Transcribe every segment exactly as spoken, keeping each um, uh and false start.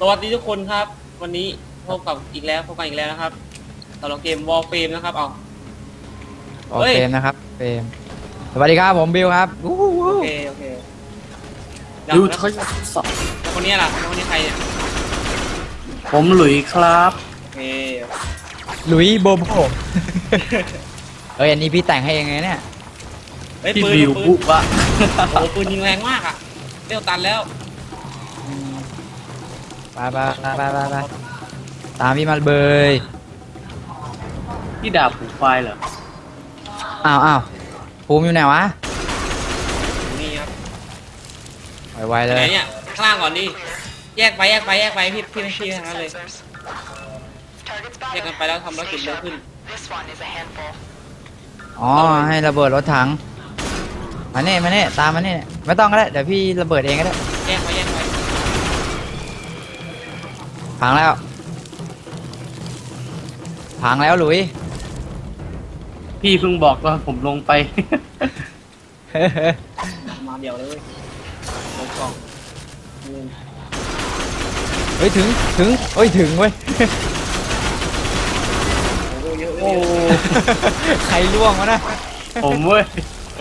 วัสดีทุกคนครับวันนี้พบกับอีกแล้วพบกันอีกแล้วนะครับสำหรับเกม Warframe นะครับเอาโอเคนะครับเฟรมสวัสดีครับผมบิวครับอู้หูโอเคโอเคแล้วดูแล้วทดสอบแล้วคนนี้ล่ะแล้วคนนี้ใครเนี่ยผมหลุยครับโอเคหลุยโบโบ เอ้ยอันนี้พี่แต่งให้เองไงเนี่ยเฮ้ยพี่ปืนบิวปืบุนบะโอ้โหปืนยิงแรงมากอ่ะเร็วตันแล้วไปไปไปไปไปไปตามพี่มาเบยพี่ดาบผูกไฟเหรออ้าวอ้าวภูมิอยู่ไหนวะนี่ครับไวๆเลไหนยเนี่ยข้างล่างก่อนดิแยกไปแยกไปแยกไปพี่พี่ไม่พี่ทางนั้นเลยแยกกันไปแล้วทำธุรกิจเร็วขึ้นอ๋อให้ระเบิดรถถังมาเน่มาเน่ตามมาเน่ไม่ต้องก็ได้เดี๋ยวพี่ระเบิดเองก็ได้แยกไปแยกไปพังแล้วพังแล้วหลุยพี่เพิ่งบอกว่าผมลงไปมาเดียวเลยลงกล่องอืมเฮ้ยถึงถึงเฮ้ยถึงเว้ยโอ้โหเยอะเยโอ้อะเยอะใครล่วงวะนะผมเว้ย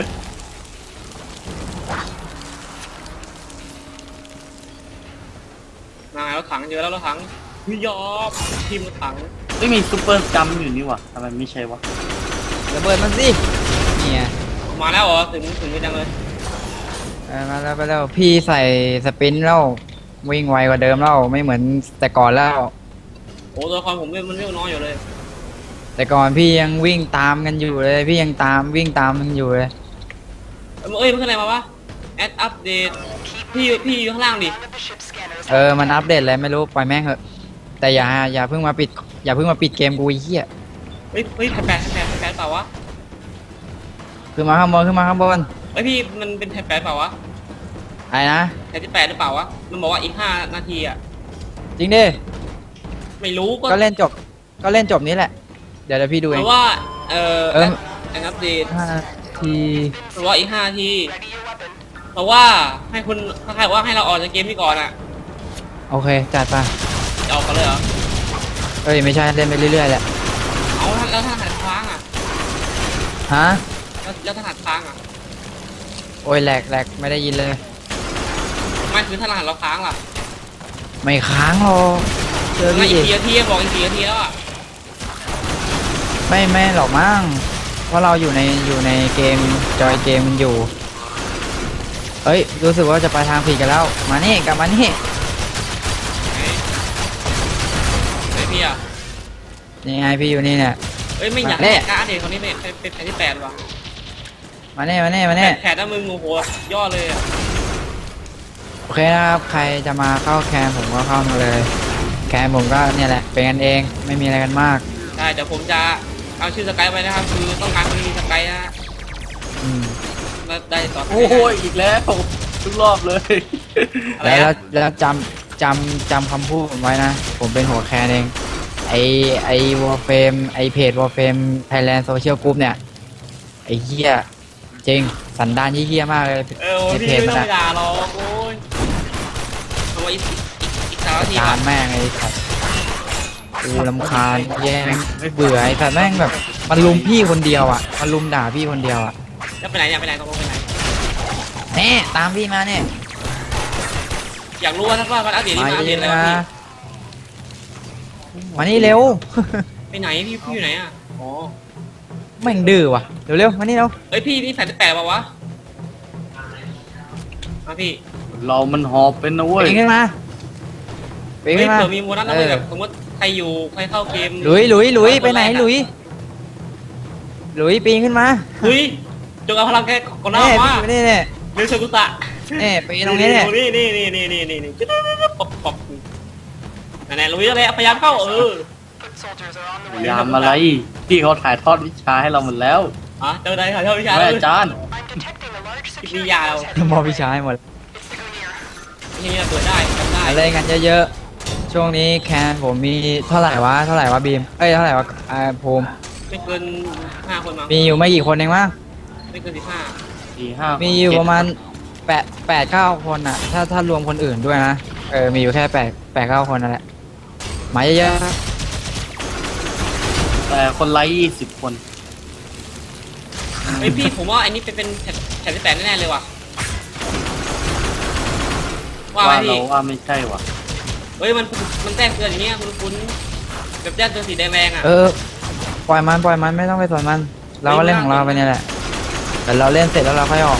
มาแล้วถังเยอะแล้วรถถังพี่ยอมทีมรถถังไม่มีซูเปอร์จัมป์อยู่นี่หวะทำไมไม่ใช่วะระเบิดมันสิเนี่ยมาแล้วเหรอถึงถึงไม่จังเลยเออมาแล้วไปแล้วพี่ใส่สปรินต์แล้ววิ่งไวกว่าเดิมแล้วไม่เหมือนแต่ก่อนแล้วโอ้ตัวละครผมมันเร็วน้อยอยู่เลยแต่ก่อนพี่ยังวิ่งตามกันอยู่เลยพี่ยังตามวิ่งตามมันอยู่เลยเอ้ยมันขึ้นอะไรมาวะแอดอัปเดตพี่พี่อยู่ข้างล่างดิเออมันอัปเดตอะไรไม่รู้ปล่อยแม่งเถอะแต่อย่าอย่าเพิ่งมาปิดอย่าเพิ่งมาปิดเกมกูไอ้เหี้ยเฮ้ยเฮ้ยแผ่นแปดแผ่นแปดแผ่นแปดเปล่าวะขึ้นมาข้างบนขึ้นมาข้างบนเฮ้ยพี่มันเป็นแผ่นแปดเปล่าวะไอ้นะแผ่นที่แปดหรือเปล่าวะมันบอกว่าอีกห้านาทีอ่ะจริงดิไม่รู้ก็ก็เล่นจบก็เล่นจบนี้แหละเดี๋ยวเดี๋ยวพี่ดูเพเองราะว่าเอ่อเออแอดอัปเดตห้าทีเพราะว่าอีกห้านาทีเพราะว่าให้คุณถ้าใครว่าให้เราออกจากเกมนี้ก่อนอ่ะโอเคจัดไปจะออกกันเลยเหรอเอ้ยไม่ใช่เล่นไปเรื่อยๆแหละเอาแล้วถ้าถนัดค้างอ่ะฮะแล้วแล้วถนัดค้างอ่ะโอ้ยแหลกแหลกไม่ได้ยินเลยไม่คือถ้าถนัดเราค้างล่ะไม่ค้างหรอกเจอไม่พี่อีเอกกี่นาทีอะบอกอีกกี่นาทีแล้วอ่ะไม่ไม่หรอกมั้งเพราะเราอยู่ในอยู่ในเกมจอยเกมมันอยู่เอ้ยรู้สึกว่าจะไปทางผิดกันแล้วมานี่กลับมานี่ไหนไหนพี่อ่ะนี่ไงพี่อยู่นี่เนี่ยเอ้ยไม่อยากมาเนี่ให้ยการ์ดเด็กคนนี้เป็นเป็นเป็นแผ่นที่แปดว่ะมานี่มานี่มาแผ่นี่นแผ่นถ้ามึงโอ้โหย่อเลยอ่ะโอเคนะครับใครจะมาเข้าแคนผมก็เข้ามาเลยแคนผมก็เนี่ยแหละเป็นกันเองไม่มีอะไรกันมากใช่เดี๋ยวผมจะเอาชื่อสกายไปนะครับคือต้องการคนที่มีสกายนะอืมแล้วได้ต่อโอ้โหอีกแล้วทุกรอบเลยอะไรแล้วอะแล้วจำจำจำคำพูดผมไว้นะ ผมเป็นหัวแคนเองไอไอวอลเฟมไอเพจวอลเฟมไทยแลนด์โซเชียลกรุ๊ปเนี่ยไอเหี้ยจริงสันดานเหี้ยๆมากเลยเออโอ้ในพี่เพจไม่มันต้องอะไปด่าหรอกโอ้ยเอาไว้อีกอีกอีกสามนาทีจาก่อน นแม่งไอ้สัตว์กูลำคาญแย่งเบื่อไอ้สัตว์แม่งแบบมันลุมพี่คนเดียวอ่ะมันลุมด่าพี่คนเดียวอ่ะแล้วไปไหนเนี่ยไปไหนตกลงไปไหนแน่ตามพี่มาเนี่ยอยากรู้ว่าถ้าว่ามันอัปเดตนี่มามันอัปเยเดตอะอะไรนะวะพี่มานี่เร็วไปไหนพี่พี่อยู่ไหนอ่ะอ๋อแม่งดื้อว่ะเร็วเร็วๆมานี่เร็วเอ้ยพี่พี่แผ่นที่แปดเปล่าวะมาพี่เรามันหอบเป็นนะเว้ยปีนขึ้นมาปีนเฮ้ขึ้ยนมาเผื่อมีโมนัสนะเอเว้ยอแบบสมมติใครอยู่ใครเข้าเกมหลุยหลุยหลุยไปไหนคแรกอะหลุยหลุยปีนขึ้นมาเฮ้ยจงเอาพลังแกก่อนหน้าเน่มาพี่นี่เนี่ยเรือเชกุตะเน่ปีนตรงนี้เนี่ยนี่นี่นี่นี่นี่นี่นี่ปอบปอบนั่นแหละลุยแล้วพยายามเข้าเออพยายามอะไรพี่เขาถ่ายทอดวิชาให้เราหมดแล้วอ่ะเจอได้ค่ะเท่าวิชาแม่เลยอาจารย์วิทยาเรามอพี่ชายหมดที่นี่เปิดได้ทำได้อะไรกันเยอะๆช่วงนี้แคนผมมีเท่าไหร่วะเท่าไหร่วะบีมเอ้ยเท่าไหร่วะอ่าภูมิไม่เกินห้าคนมั้งมีอยู่ไม่กี่คนเองมั้งไม่เกินสิบห้าสี่ห้ามีอยู่ประมาณแปดแปดเก้าคนอ่ะ ถ้าถ้ารวมคนอื่นด้วยนะโเออมีอยู่แค่แปดแปดเก้าคนนั่นแหละมาเยอะๆครับแต่คนไลค์ยี่สิบคนเฮ้ยพี่ผมว่าอันนี้เป็นเป็นแถบแถบที่แปดแน่ๆเลยว่ะว่าไหมว่าเราพี่ว่าไม่ใช่ว่ะเฮ้ยมันมันแจ้งเตือนอย่างเงี้ยคุณคุณแบบแจ้งเตือนสีแดงๆอ่ะเออปล่อยมันปล่อยมันไม่ต้องไปสนมัน เราก็เล่นของเราไปเนี่ยแหละแต่เราเล่นเสร็จแล้วเราค่อยออก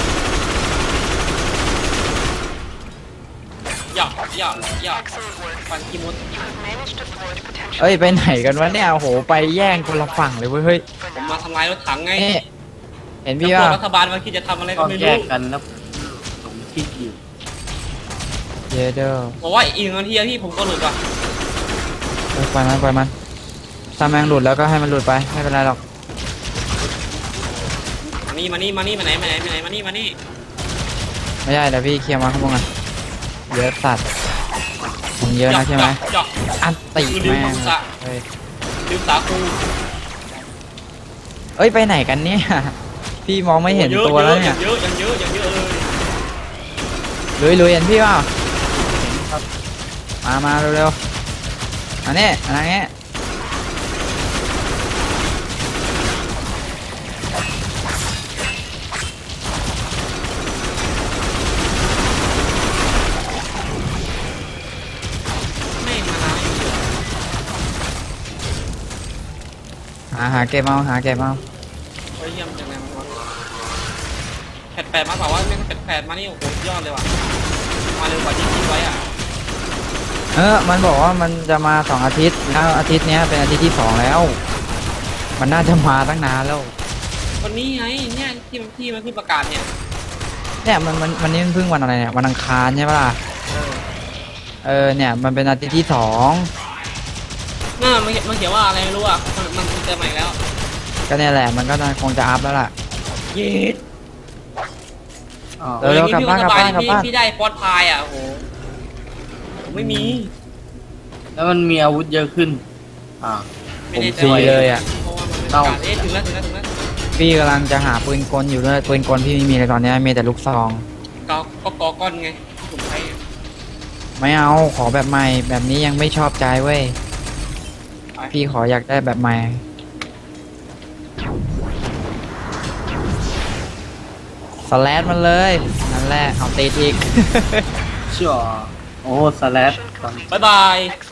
หยอกหยอกหยอกฟันกิมดเอ้ยไปไหนกันวะเนี่ยโอ้โหไปแย่งคนละฝั่งเลยเว้ยเฮ้ยผมมาทำลายรถถังไงนี่เห็นพี่แล้วพวว่ากรัฐบาลมันคิดจะทำอะไรก็ต้องไม่แยรู้กกันนะผมคิดอยู่เยเดอร์บอกว่าอีกหนึ่งนาทีอะพี่ผมก็หลุดว่ะเออปล่อยมันปล่อยมันถ้าแมงหลุดแล้วก็ให้มันหลุดไปไม่เป็นไรหรอกมานี่มานี่มานี่มาไหนมาไหนมาไหนมานี่มานี่ไม่ได้เดี๋ยวพี่เคลียร์มาข้างบนกันเยอะสัตว์มึงเยอะนะใช่ไหมหยอกอันติลืมแม่งคำสะเฮ้ยลืมสาคูเอ้ยไปไหนกันเนี่ยพี่มองไม่เห็นโอ้ยตัวแล้วเนี่ยเยอะอย่างเยอะอย่างเยอะเลยลุยลุยเห็นพี่เปล่ามามาเร็วๆอันนี้อันนี้ไม่มาล้างอยู่หาหาเก็บเอาหาเก็บเอาเฮ้ยเยี่ยมจังเลยมันวะแปดแปดมาบอกว่าแม่งแปดแปดมานี่โอ้โหยอดเลยว่ะมาเร็วกว่าที่คิดไว้อ่ะเออมันบอกว่ามันจะมาสองอาทิตย์แล้วอาทิตย์เนี้ยเป็นอาทิตย์ที่สองแล้ว มันน่าจะมาตั้งนานแล้ววันนี้ไงเนี่ยที่มันที่มันเพิ่งประกาศเนี่ยเนี่ยมันมันมันนี่มันเพิ่งวันอะไรเนี่ยวันอังคารใช่ปะล่ะเออเออเนี่ยมันเป็นอาทิตย์ที่สองน่ามันมันเขียนว่าอะไรไม่รู้อ่ะมันมันเจอใหม่แล้วก็เนี่ยแหละมันก็คงจะอัพแล้วล่ะเย็ดอ๋อเออ เร็วๆกลับบ้านกลับบ้านกลับบ้านพี่พี่ได้ฟอสพายอ่ะโอ้โหผมไม่มีแล้วมันมีอาวุธเยอะขึ้น อ่าไม่ได้ผมฟรีเลยอะเพราะว่ามันไม่ประกาศเอ๊ะถึงแล้วถึงแล้วถึงแล้วพี่กำลังจะหาปืนกลอยู่ด้วยปืนกลพี่ไม่มีเลยตอนเนี้ยมีแต่ลูกซองก็ก็กอก้อนไงที่ผมใช้อะไม่เอาขอแบบใหม่แบบนี้ยังไม่ชอบใจเว้ยพี่ขออยากได้แบบใหม่สแลดมันเลยนั่นแหละเอาตีอีกเชื่อโอ้สแลดบ๊ายบาย